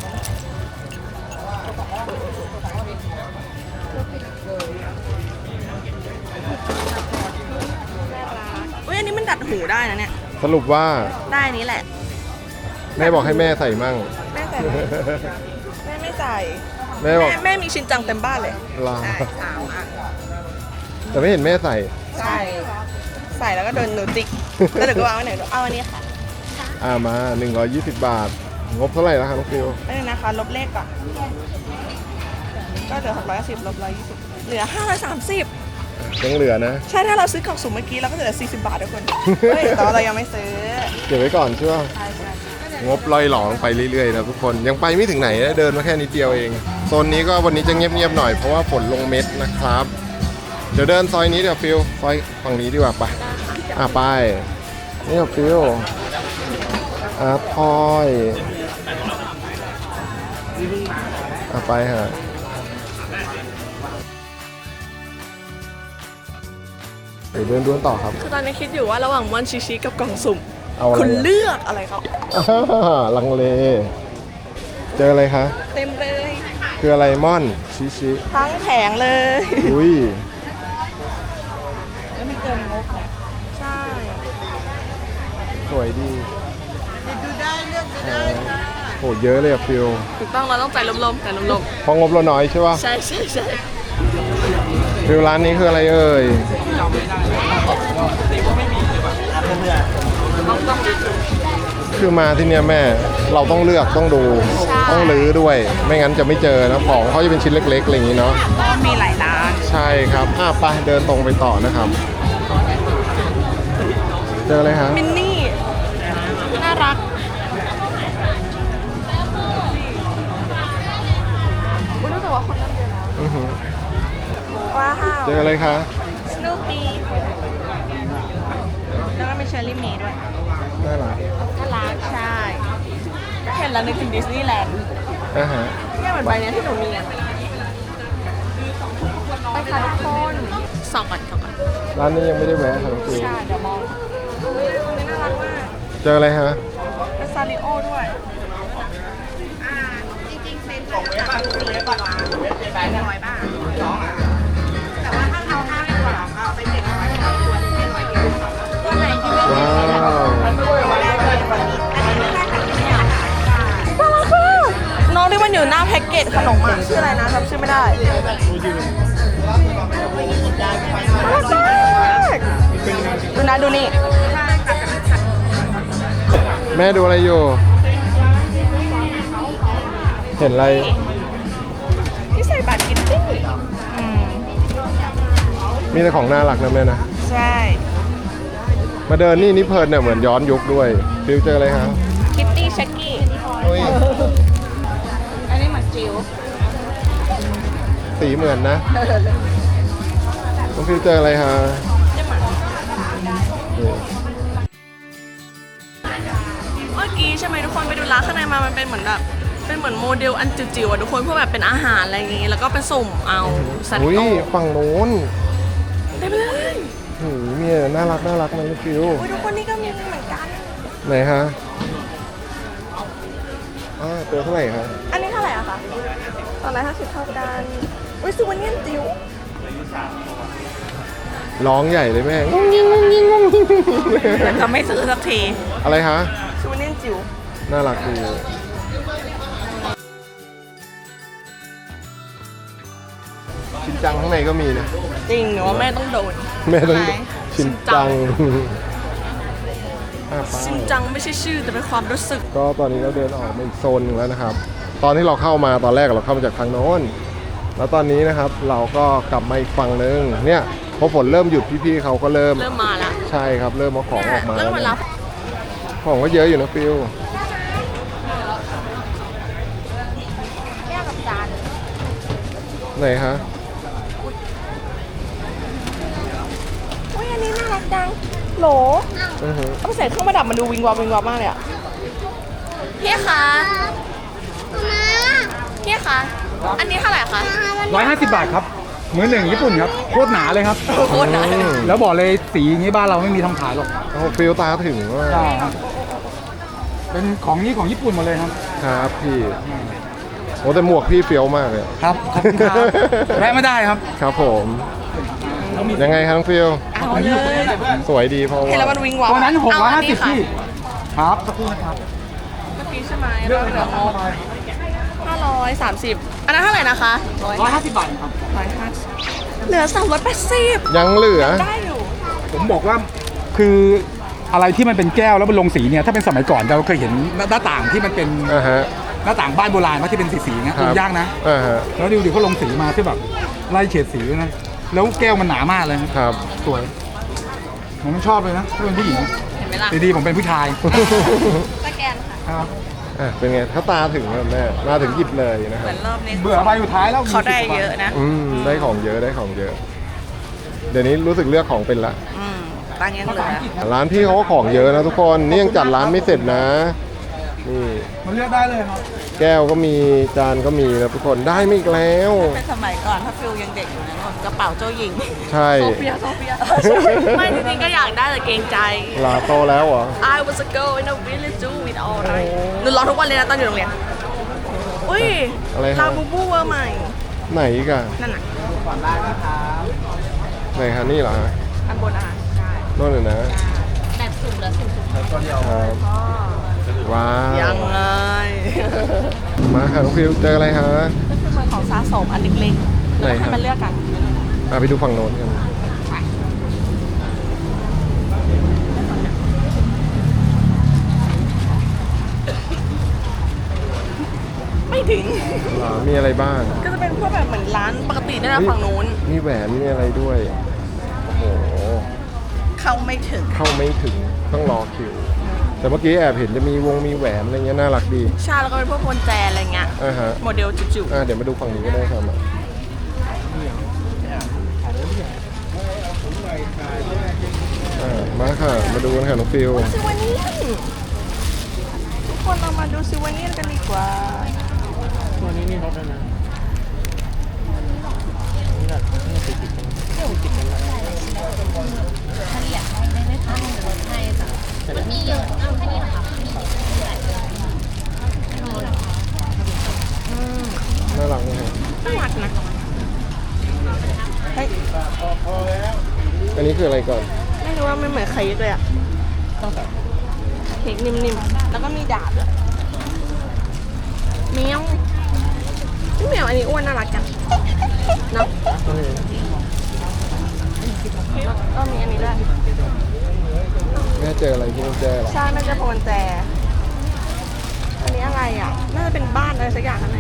[SPEAKER 1] อุ้ยอันนี้มันดัดหูได้นะเนี่ย
[SPEAKER 2] สรุปว่า
[SPEAKER 1] ได้อันนี้แหละ
[SPEAKER 2] แม่บอกให้แม่ใส่มั่ง
[SPEAKER 1] แม่ใส่ไหมแม่ไม่ใส่
[SPEAKER 2] แม่บอก
[SPEAKER 1] แม่แม่มีชินจังเต็มบ้านเลย
[SPEAKER 2] ลา
[SPEAKER 1] ใช่สามอัน
[SPEAKER 2] แต่ไม่เห็นแม่ใส่
[SPEAKER 1] ใช่ ใส่แล้วก็เดินหนูจิกแล้วเดี๋ยวก็วางไว้ไหนดูเอาอันนี้ค่ะ
[SPEAKER 2] อ่ามาหนึ่งร้อยยี่สิบบาท งบเท่าไหร่แล้วครับน้องฟิว
[SPEAKER 1] ไม่นะคะ ลบเลขก่อน ก็เหลือหกร้อยสิบลบร้อยยี่สิบเหลือห้าร้อยสามสิบ
[SPEAKER 2] ยังเหลือนะ
[SPEAKER 1] ใช่ถ้าเราซื้อกล่องสุ่มเมื่อกี้เราก็จะเหลือสี่สิบบาททุกคน เฮ้ยแต่ว่าเรายังไม่ซื้อ
[SPEAKER 2] เก็บไว้ก่อนใช่ป่ะ
[SPEAKER 1] ใช่ใช่
[SPEAKER 2] งบลอยหลองไปเรื่อยๆนะทุกคนยังไปไม่ถึงไหนนะเดินมาแค่นิดเดียวเองโซนนี้ก็วันนี้จะเงียบๆหน่อยเพราะว่าฝนลงเม็ดนะครับเดี๋ยวเดินซอยนี้เดี๋ยวฟิลซอยฝั่งนี้ดีกว่าไปอ่ะไปนี่กับฟิลอาร์ตทอยอ่ะไปฮะเดี๋ยวเดินด้วนต่อครับ
[SPEAKER 1] คือตอนนี้คิดอยู่ว่าระหว่างม่อนชิชิกับกล่องสุ่ม
[SPEAKER 2] เอาอะไร
[SPEAKER 1] คุณ
[SPEAKER 2] อ่ะ
[SPEAKER 1] เลือกอะไรครับ
[SPEAKER 2] อ่าลังเล เจออะไรคะ
[SPEAKER 1] เต็มเลย
[SPEAKER 2] คืออะไรม่อนชิชิ
[SPEAKER 1] ทั้งแผงเลย
[SPEAKER 2] อุ้ย
[SPEAKER 3] แล้วไม่เกินงบนะ
[SPEAKER 1] ใช่
[SPEAKER 2] สวยดี
[SPEAKER 3] ดูได้เลือกดูได้ค่ะ
[SPEAKER 2] โหเยอะเลยอะฟิล
[SPEAKER 1] ถูกต้องเราต้องใจลมๆแต่ลม
[SPEAKER 2] เพองบเราน้อยใช่ป่ะ
[SPEAKER 1] ๆใช่ใช่ใช่
[SPEAKER 2] ฟิลร้านนี้คืออะไรเอ่ยคือมาที่เนี้ยแม่เราต้องเลือกต้องดูต้องรื้อด้วย ไม่งั้นจะไม่เจอนะของเขาจะเป็นชิ้นเล็กๆอะไรอย่างนี้เนาะ
[SPEAKER 3] ก็มีหลายร้าน
[SPEAKER 2] ใช่ครับอ่ะไปเดินตรงไปต่อนะครับ เจออะไรฮะ
[SPEAKER 1] มินนี่ น่ารักอุ๊ยรู้สึกว่าคนเริ่มเยอะแล้ว
[SPEAKER 2] อื้อหือ
[SPEAKER 1] ว้าว
[SPEAKER 2] เจออะไรคะ
[SPEAKER 1] สนูปี้แล้วก็มีเชอร์รี่เมย์ด้วย
[SPEAKER 2] น่ารัก
[SPEAKER 1] น่ารักใช่เห็นแล้วนึกถึงดิสนีย์แลนด์
[SPEAKER 2] อ่ะฮะ
[SPEAKER 1] เนี่ยเหมือนใบเนี้ยที่หนูมีอ่ะไปค่ะทุกคนส่องก่อนส่องก่อน
[SPEAKER 2] ร้านนี้ยังไม่ได้แวะครับฟิล
[SPEAKER 1] ใช่เดี๋ยวมองเฮ้ยคนนี้น่ารักมาก
[SPEAKER 2] เจออะไรฮะ
[SPEAKER 1] เป็นซาริโอด้วย
[SPEAKER 2] ว้าว
[SPEAKER 1] น่ารักมากน้องที่มันอยู่หน้าแพ็กเกจขนมอ่ะชื่ออะไรนะจำชื่อไม่ได้น่ารักมากดูนะดูนี่
[SPEAKER 2] แม่ดูอะไรอยู่ เห็นอะไร
[SPEAKER 1] ที่ใส่บัตรกินตี้อืม
[SPEAKER 2] มีแต่ของน่ารักนะแม่นะ
[SPEAKER 1] ใช่
[SPEAKER 2] มาเดินนี่นี่เพลินเนี่ยเหมือนย้อนยุคด้วยฟิลเจออะไรฮะ
[SPEAKER 1] คิตตี้ชักกี้
[SPEAKER 2] โอ้ย
[SPEAKER 1] อันนี้เหมือนจิ๋ว
[SPEAKER 2] สีเหมือนนะน้องฟิลเจออะไรฮะนี่
[SPEAKER 1] เมื่อกี้ใช่ไหมทุกคนไปดูร้านข้างในมามันเป็นเหมือนแบบเป็นเหมือนโมเดลอันจิ๋วๆอ่ะทุกคนเพื่อแบบเป็นอาหารอะไรอย่างงี้แล้วก็ไปสุ่มเอาสัตว์
[SPEAKER 2] อุ้ย
[SPEAKER 1] โต
[SPEAKER 2] ฝั่งโน้น
[SPEAKER 1] ได้ไปเลย
[SPEAKER 2] หูมีแต่น่ารักน่ารักนะน้องฟิล
[SPEAKER 1] อุ้ยทุกคนนี่ก็มีเหมือนกัน
[SPEAKER 2] ไหนฮะอ่าตัวเท่าไหร่ครับ
[SPEAKER 1] อันนี้เท่าไหร่อะคะตอนแรกห้าสิบเท่ากันอุ้ยซูเวเนียนจิ๋ว
[SPEAKER 2] ร้องใหญ่เลยแม่งงงิงงงิงงงิง
[SPEAKER 3] แต่ก็ไม่ซื้อสักที
[SPEAKER 2] อะไรฮะ
[SPEAKER 1] ซูเวเนียนจิ๋ว
[SPEAKER 2] น่ารักดีชินจังข้างในก็มีนะ
[SPEAKER 1] จริงหนูว่าแม่ต้องโดน
[SPEAKER 2] แม่ต้อง
[SPEAKER 1] ไหน
[SPEAKER 2] ชินจังอ่ะไป
[SPEAKER 1] ชินจังไม่ใช่ชื่อแต่เป็นความรู้สึก
[SPEAKER 2] ก็ตอนนี้เราเดินออกมาอีกโซนหนึ่งแล้วนะครับ ตอนที่เราเข้ามาตอนแรกเราเข้ามาจากทางโน้น แล้วตอนนี้นะครับเราก็กลับมาอีกฝั่งหนึ่งเนี่ยพอฝนเริ่มหยุดพี่ๆเขาก็เริ่ม
[SPEAKER 1] เริ่มมาละ
[SPEAKER 2] ใช่ครับเริ่มเอาของออกมา
[SPEAKER 1] เริ่
[SPEAKER 2] แล้ว
[SPEAKER 1] มมา
[SPEAKER 2] นะ
[SPEAKER 1] รับ
[SPEAKER 2] ของก็เยอะอยู่นะฟิล
[SPEAKER 1] แก้วกับจาน
[SPEAKER 2] ไหนฮะ
[SPEAKER 1] อุ้ยอันนี้น่ารักจังโหล
[SPEAKER 2] อือฮึ
[SPEAKER 1] เอาไปใส่เครื่องประดับมันดูวิงวอบวิงวอบมากเลยอะพี่คะพี่คะอันนี้เท่าไหร่คะ
[SPEAKER 4] ร้อยห้าสิบบาทครับ มือหนึ่งญี่ปุ่นครับโคตรหนาเลยครับ
[SPEAKER 1] โคตรหนา
[SPEAKER 2] อืม
[SPEAKER 4] แล้วบอกเลยสีอย่างนี้บ้านเราไม่มีทำขายหรอก
[SPEAKER 2] โอ้โหฟิลตาถึงว่า
[SPEAKER 4] ใช่ครับเป็นของนี้ของญี่ปุ่นหมดเลยครับ
[SPEAKER 2] ครับพี่โอ้แต่หมวกพี่เฟี้ยวมากเลย
[SPEAKER 4] ครับขอบคุณครับแวะไม่ได้ครับ
[SPEAKER 2] ครับผม ยังไงครับน้องฟิล
[SPEAKER 1] เอาเลย
[SPEAKER 2] สวยดีเพราะ
[SPEAKER 1] เห็นแล้ว
[SPEAKER 2] ว่า
[SPEAKER 1] มันวิงวอบ
[SPEAKER 4] ตัวนั้นหกร้อยห้าสิบ
[SPEAKER 1] เ
[SPEAKER 4] พี่ครับสักครู่นะครับ
[SPEAKER 1] มื่อกี้ใช่ไหมเราเหลืองบห้าร้อยสามสิบอันนั้นเท่าไหร่นะคะ
[SPEAKER 4] ร้อยห้าสิบบาทครับ
[SPEAKER 1] ร้อยห้าสิบเหลือสามร้อยแปดสิบ
[SPEAKER 2] ยังเหลือ
[SPEAKER 1] ได้อยู่
[SPEAKER 4] ผมบอกว่าคืออะไรที่มันเป็นแก้วแล้วมันลงสีเนี่ยถ้าเป็นสมัยก่อนเราเคยเห็นหน้าต่างที่มันเป็น
[SPEAKER 2] อ่าฮะ
[SPEAKER 4] หน้าต่างบ้านโบราณว่าที่เป็นสีๆนะครับ ดูยากนะ
[SPEAKER 2] อ่าฮะ
[SPEAKER 4] แล้วดูดิเขาลงสีมาที่แบบไล่เฉดสีด้วยนะแล้วแก้วมันหนามากเลยนะครับ สวยผมไม่ชอบเลยนะถ้าเป็นผู้หญิง
[SPEAKER 1] เห็นไหมล่ะ
[SPEAKER 4] ดีๆผมเป็นผู้ชาย
[SPEAKER 1] สแกนค่ะ
[SPEAKER 4] ครับ
[SPEAKER 2] อ่ะเป็นไงถ้าตาถึงแล้วแม่มาถึงหยิบเลยนะค
[SPEAKER 3] เห
[SPEAKER 2] รั
[SPEAKER 3] มื
[SPEAKER 2] บ
[SPEAKER 3] อนรอบนี้
[SPEAKER 4] เบื่อใบสุดท้ายแล้ว
[SPEAKER 3] เขาได้เยอะนะ
[SPEAKER 2] อืมได้ของเยอะได้ของเยอะเดี๋ยวนี้รู้สึกเลือกของเป็นละ
[SPEAKER 3] อืมตังค์ยังเหลือ
[SPEAKER 2] ร้านพี่เขาก็ของเยอะนะทุกคนนี่ยังจัดร้านไม่เสร็จนะนี่
[SPEAKER 5] มันเลือกได้เลยครับ
[SPEAKER 2] แก้วก็มีจานก็มีนะทุกคนได้ไม่อีกแล้ว
[SPEAKER 3] เป็นสมัยก่อนถ้าฟิลยังเด็กอยู่นะกระเป๋าเจ้าหญิง
[SPEAKER 2] ใช่
[SPEAKER 1] โซเฟียโซเฟียไม่จริงๆก็อยากได้แต่เกรงใจ
[SPEAKER 2] ลาโตแล้วเหรอ
[SPEAKER 1] I was a girl in a village do with all right หนูร้องทุกวันเลยนะตอนอยู่โรงเรียนอุ้ย
[SPEAKER 2] อะไรฮะ
[SPEAKER 1] ลาบูบูเวอร์ใหม่
[SPEAKER 2] ไหนอีกอะ
[SPEAKER 1] นั่นน่ะ
[SPEAKER 4] ก่อนได้นะครับ
[SPEAKER 2] ไหนคะนี่เหรอฮะ
[SPEAKER 1] อันบนอาหารใช่
[SPEAKER 2] โน่นเลยนะ
[SPEAKER 1] แบบสุ่มแล้วสุ่มสุ่ม
[SPEAKER 4] ตัวเดียว
[SPEAKER 2] ครับว้าว
[SPEAKER 1] ยังไง
[SPEAKER 2] มาค่ะน้องฟิวเจออะไรฮะ
[SPEAKER 1] ก็คือเหมือนของสะสมอันเล็กๆแล้วก็ให้มันเลือกกัน
[SPEAKER 2] อ่ะไปดูฝั่งโน้นกัน
[SPEAKER 1] ไม่ถึง
[SPEAKER 2] เหรอมีอะไรบ้าง
[SPEAKER 1] ก็จะเป็นพวกแบบเหมือนร้านปกตินี่นะฝั่งนู้น
[SPEAKER 2] มีแหวนมีอะไรด้วย โอ้โห
[SPEAKER 3] เข้าไม่ถึง
[SPEAKER 2] เข้าไม่ถึงต้องรอคิว แต่เมื่อกี้แอบเห็นจะมีวงมีแหวนอะไรเงี้ยน่ารักดี
[SPEAKER 1] ใช่แล้วก็เป็นพวกพวงแจอะไรเงี้ย
[SPEAKER 2] อ่าฮะ
[SPEAKER 1] โมเดลจิ๋ว
[SPEAKER 2] อ่าเดี๋ยวมาดูฝั่งนี้ก็ได้ครับมาอ่ามาค่ะ มาดูกันค่ะน้องฟิว
[SPEAKER 1] ๆซิวานี่ทุกคนเรามาดูซิวานี่กันดีกว่า
[SPEAKER 4] ตัวนี้นี่ลดแล้วนะนี่แบบนี่ติดติดกันติดกันแล้ว
[SPEAKER 6] เฉลี่ยให้ได้ไหมคะหรือลดให้จ้ะมีเยอะเอาแค่นี้เหรอคะมีหลายตัว
[SPEAKER 2] น่ารักไหมครับ
[SPEAKER 1] น่ารักนะเฮ้ย
[SPEAKER 2] อันนี้คืออะไรก่อน
[SPEAKER 1] ไม่รู้ว่ามันเหมือนเค้กเลยอะเค้กนิ่มๆแล้วก็มีดาบด้วยแมวพี่แมวอันนี้อ้วนน่ารักจังเนาะก็มีอันนี้ด้วย
[SPEAKER 2] แม่เจออะไรที่มันแจเหรอ
[SPEAKER 1] ใช่น่าจะพวงแจ อันนี้อะไรอ่ะ น่าจะเป็นบ้านอะไรสักอย่างข้างใน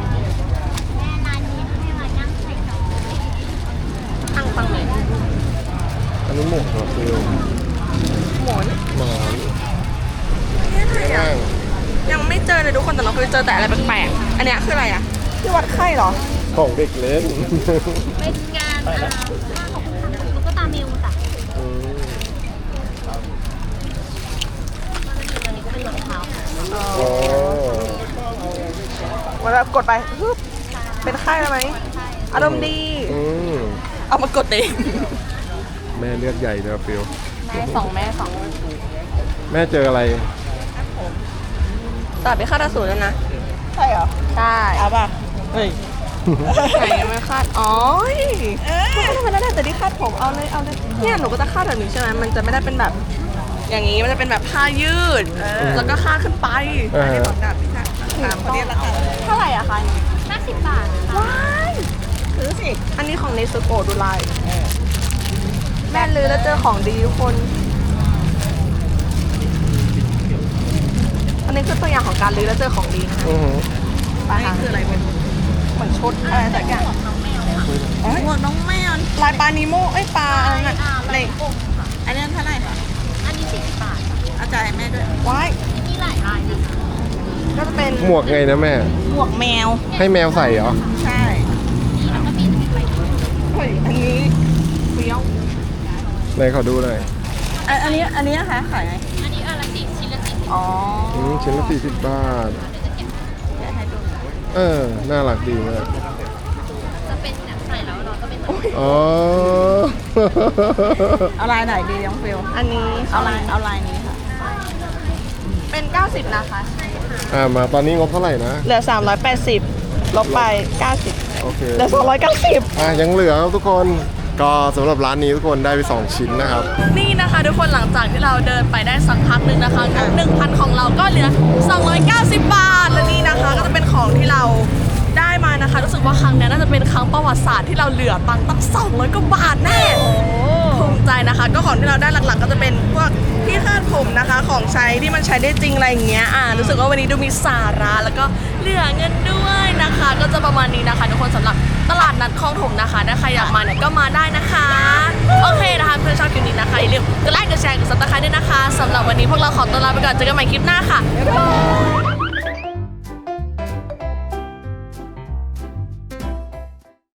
[SPEAKER 1] ตั้งฟังเลย
[SPEAKER 2] อันนี้หมวกเหรอฟิว
[SPEAKER 1] หมอน
[SPEAKER 2] หมอน
[SPEAKER 1] นี่อะไรอ่ะ
[SPEAKER 2] ข้าง
[SPEAKER 1] ยังไม่เจอเลยทุกคนแต่เราเคยเจอแต่อะไรแปลกๆ อันเนี้ยคืออะไรอ่ะ ที่วัดไข้เหรอ
[SPEAKER 2] ของเด็กเล่น
[SPEAKER 6] เป็นงานอ่าผ้าของตุ๊กตามิวจ้ะ
[SPEAKER 2] อืม
[SPEAKER 6] ตัวนี้ก็เป็นรองเท้าค่ะ
[SPEAKER 2] อ๋อ
[SPEAKER 1] วันแบบกดไปฮึบเป็นไข้แล้วไหมอารมณ์ดี
[SPEAKER 2] อืม
[SPEAKER 1] เอามากดเอง
[SPEAKER 2] แม่เลือกใหญ่เลยอะฟิว
[SPEAKER 1] แม่สองแม่สอง
[SPEAKER 2] แม่เจออะไร
[SPEAKER 1] ตัดไปคาดอสูรแล้วนะ
[SPEAKER 3] ใช่เหรอ
[SPEAKER 1] ใช่
[SPEAKER 3] เอาป่ะ
[SPEAKER 1] เฮ้ยไหนยังไม่คาด อ๋อทำไมได้แต่ที่คาดผมเอาเลยเอาเลยเนี่ยหนูก็จะคาดแบบนี้ใช่ไหมมันจะไม่ได้เป็นแบบ อย่างนี้มันจะเป็นแบบผ้ายืด แล้วก็คาดขึ้นไป
[SPEAKER 2] อ่าฮะ
[SPEAKER 3] ของดาบพิฆาตตามคนนี้ละกัน
[SPEAKER 1] เท่าไหร่อะคะอันนี้
[SPEAKER 6] ห้าสิบบาทค่ะ
[SPEAKER 1] ว้ายซื้อสิ อันนี้ของเนสโกดูลายแม่ลือแล้วเจอของดีทุกคน อันนี้คือตัวอย่างของการลือแล้วเจอของดีนะคะ
[SPEAKER 2] อือหือ
[SPEAKER 1] ไปค่ะคืออะไรเป็นเหมือนชุดอะไรสักอย่าง
[SPEAKER 3] หมวกน้องแมว
[SPEAKER 1] ลายปลานิโมเอ้ยปลาอะไรน่ะใน
[SPEAKER 3] อันนี้เท่าไหร่คะ
[SPEAKER 6] อันนี้สี่สิบบาทค่ะ
[SPEAKER 3] เอาจ่ายให้แม่ด้วย
[SPEAKER 1] ว้าย
[SPEAKER 6] มีหลายลายนะคะ
[SPEAKER 1] ก็จะเป็น
[SPEAKER 2] หมวกไงนะแม่
[SPEAKER 3] หมวกแมว
[SPEAKER 2] ให้แมวใส่เหรอ
[SPEAKER 3] ใช่
[SPEAKER 6] แล้วก็มีใบเ
[SPEAKER 1] เฮ้ยอันนี้เฟี้ยว
[SPEAKER 2] ไหนขอดูหน่อย
[SPEAKER 3] อันอันนี้อันนี้นะคะขายไง
[SPEAKER 6] อันนี้อันละสี่ชิ้นละสี่สิบ
[SPEAKER 3] อ๋อ
[SPEAKER 2] อืมชิ้นละสี่สิบบาท
[SPEAKER 3] เดี๋ยวให้ดู
[SPEAKER 2] เออ น่ารักดีมาก
[SPEAKER 6] จะเป็นแบบใส่แล้วเราก็เป็นแบบ
[SPEAKER 2] อ๋อ
[SPEAKER 3] เอาลายไหนดีน้องฟิล
[SPEAKER 1] อันนี้
[SPEAKER 3] เอาลายเอาลายนี้ค่ะ
[SPEAKER 1] เป็นเก้าสิบนะคะ
[SPEAKER 2] อ่ามาตอนนี้งบเท่าไหร่นะ
[SPEAKER 1] เหลือสามร้อยแปดสิบลบไปเก้าสิบ
[SPEAKER 2] โอเค
[SPEAKER 1] เหลือสองร้อยเก้าสิบ
[SPEAKER 2] อ่ะยังเหลือครับทุกคน ก็สำหรับร้านนี้ทุกคนได้ไปสองชิ้นนะครับ
[SPEAKER 1] นี่นะคะทุกคนหลังจากที่เราเดินไปได้สักพักหนึ่งนะคะงบหนึ่งพันของเราก็เหลือสองร้อยเก้าสิบบาทและนี่นะคะก็จะเป็นของที่เราได้มานะคะรู้สึกว่าครั้งนี้น่าจะเป็นครั้งประวัติศาสตร์ที่เราเหลือตังค์ตั้งสองร้อยกว่าบาทแน่ภูมิใจนะคะ ก็ของที่เราได้หลักๆ ก็จะเป็นพวกที่คาดผมนะคะของใช้ที่มันใช้ได้จริงอะไรอย่างเงี้ยอ่ารู้สึกว่าวันนี้ดูมีสาระแล้วก็เหลือเงินด้วยนะคะ ก็จะประมาณนี้นะคะทุกคนสำหรับตลาดนัดคลองถมนะคะถ้าใครอยากมาเนี่ยก็มาได้นะคะโอเคนะคะเพื่อนชอบคลิปนี้นะคะอย่าลืมกดไลค์กดแชร์กดซับสไครต์ด้วยนะคะสำหรับวันนี้พวกเราขอตัวลาไปก่อนเจอกันใหม่คลิปหน้าค่ะบ๊ายบาย